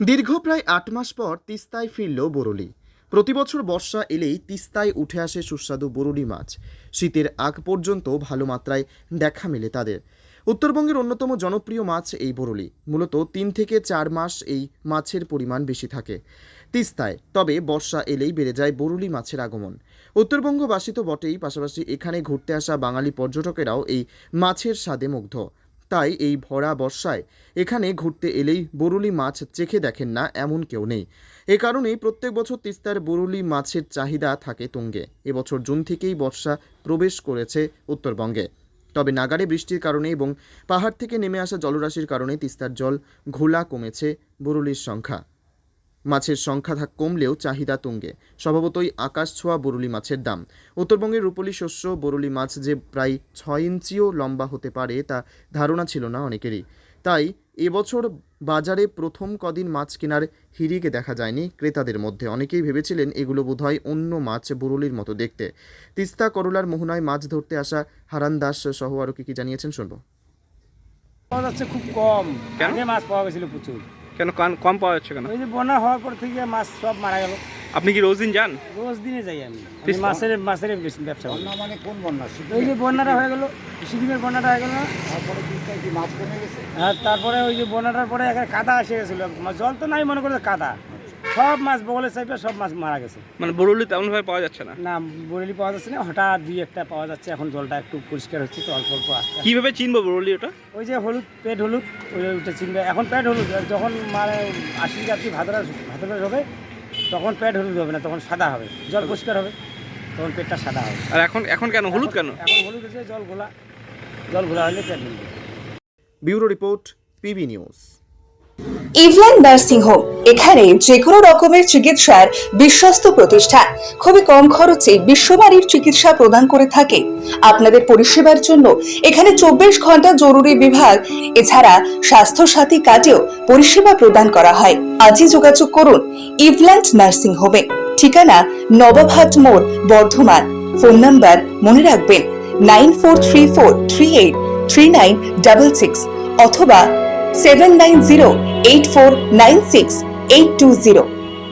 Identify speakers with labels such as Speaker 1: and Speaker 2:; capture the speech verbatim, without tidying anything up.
Speaker 1: দীর্ঘ প্রায় আট মাস পর তিস্তায় ফিরল বরুলি। প্রতিবছর বর্ষা এলেই তিস্তায় উঠে আসে সুস্বাদু বরুলি মাছ। শীতের আগ পর্যন্ত ভালো মাত্রায় দেখা মেলে তাদের। উত্তরবঙ্গের অন্যতম জনপ্রিয় মাছ এই বরুলি। মূলত তিন থেকে চার মাস এই মাছের পরিমাণ বেশি থাকে তিস্তায়, তবে বর্ষা এলেই বেড়ে যায় বরুলি মাছের আগমন। উত্তরবঙ্গবাসী তো বটেই, পাশাপাশি এখানে ঘুরতে আসা বাঙালি পর্যটকেরাও এই মাছের স্বাদে মুগ্ধ। তাই এই ভরা বর্ষায় এখানে ঘুরতে এলেই বরুলি মাছ চেখে দেখেন না এমন কেউ নেই। এ কারণেই প্রত্যেক বছর তিস্তার বরুলি মাছের চাহিদা থাকে তুঙ্গে। এবছর জুন থেকেই বর্ষা প্রবেশ করেছে উত্তরবঙ্গে, তবে নাগাড়ে বৃষ্টির কারণে এবং পাহাড় থেকে নেমে আসা জলরাশির কারণে তিস্তার জল ঘোলা কমেছে বরুলির সংখ্যা। মাছের সংখ্যা থাক কমলেও চাহিদা তুঙ্গে। স্বভাবতই আকাশ ছোঁয়া বরুলি মাছের দাম। উত্তরবঙ্গের রূপলি শস্য বরুলি মাছ যে প্রায় ছয় ইঞ্চিও লম্বা হতে পারে তা ধারণা ছিল না অনেকেরই। তাই এবছর বাজারে প্রথম কদিন মাছ কেনার হিড়িকে দেখা যায়নি ক্রেতাদের মধ্যে। অনেকেই ভেবেছিলেন এগুলো বোধহয় অন্য মাছ, বরুলির মতো দেখতে। তিস্তা করলার মোহনায় মাছ ধরতে আসা হারান দাস সহ আরও কি কি জানিয়েছেন শুনবো।
Speaker 2: পাওয়া যাচ্ছে খুব কম।
Speaker 3: কেন?
Speaker 2: আগে মাছ পাওয়া গেছিল প্রচুর।
Speaker 3: কেন কান- কম পাওয়া যাচ্ছে কেন?
Speaker 2: ওই যে বন্যা হওয়ার পর থেকে মাছ সব মারা গেল।
Speaker 3: আপনি কি রোজ দিন যান?
Speaker 2: রোজ দিনে যাই আমি। আমি
Speaker 3: বেশ-
Speaker 2: মাছের মাছের বেশ- ব্যবসা করি।
Speaker 4: বন্যা মানে কোন বন্যা?
Speaker 2: ওই যে বন্যাটা হয়ে গেল, সিকিমের বন্যাটা হয়ে গেল না?
Speaker 4: তারপরে তিস্তায় কি মাছ কমে গেছে?
Speaker 2: আর তারপরে ওই যে বন্যাটার পরে একটা কাদা এসে গেছিলো। জল তো নাই, মনে করে কাদা। সব মাছ বগলের চাইপে সব মাছ মারা গেছে।
Speaker 3: মানে বরুলি তেমন ভাবে পাওয়া যাচ্ছে না।
Speaker 2: না, বরেলি পাওয়া যাচ্ছে না। হঠাৎ দুই একটা পাওয়া যাচ্ছে। এখন জলটা একটু পরিষ্কার হচ্ছে তো, অল্প অল্প আসছে।
Speaker 3: কিভাবে চিনবো বরুলি ওটা?
Speaker 2: ওই যে হলুদ, পেট হলুদ, ওই ওইটা চিনবে। এখন পেট হলুদ, আর যখন মানে আশি যাত্রী ভাদরা ভাদরা হবে তখন পেট হলুদ হবে না, তখন সাদা হবে। জল পরিষ্কার হবে, তখন পেটটা সাদা হবে।
Speaker 3: আর এখন এখন কেন হলুদ কেন?
Speaker 2: এখন হলুদ হচ্ছে জল ঘোলা, জল ঘোলা হলে পেট হলুদ।
Speaker 1: Bureau report, P B news.
Speaker 5: ইভল্যান্ড নার্সিং হোম, এখানে যে কোনো রকমের চিকিৎসার বিশ্বস্ত প্রতিষ্ঠান। খুবই কম খরচে বিশ্বমানের চিকিৎসা প্রদান করে থাকে। আপনাদের পরিষেবার জন্য এখানে চব্বিশ ঘন্টা জরুরি বিভাগ, এছাড়া স্বাস্থ্য সাথী কার্ডেও পরিষেবা প্রদান করা হয়। আজই যোগাযোগ করুন ইভল্যান্ড নার্সিং হোমে। ঠিকানা নবাবহাট মোড়, বর্ধমান। ফোন নাম্বার মনে রাখবেন nine four three four three eight three nine double six অথবা seven nine zero eight four nine six eight two zero.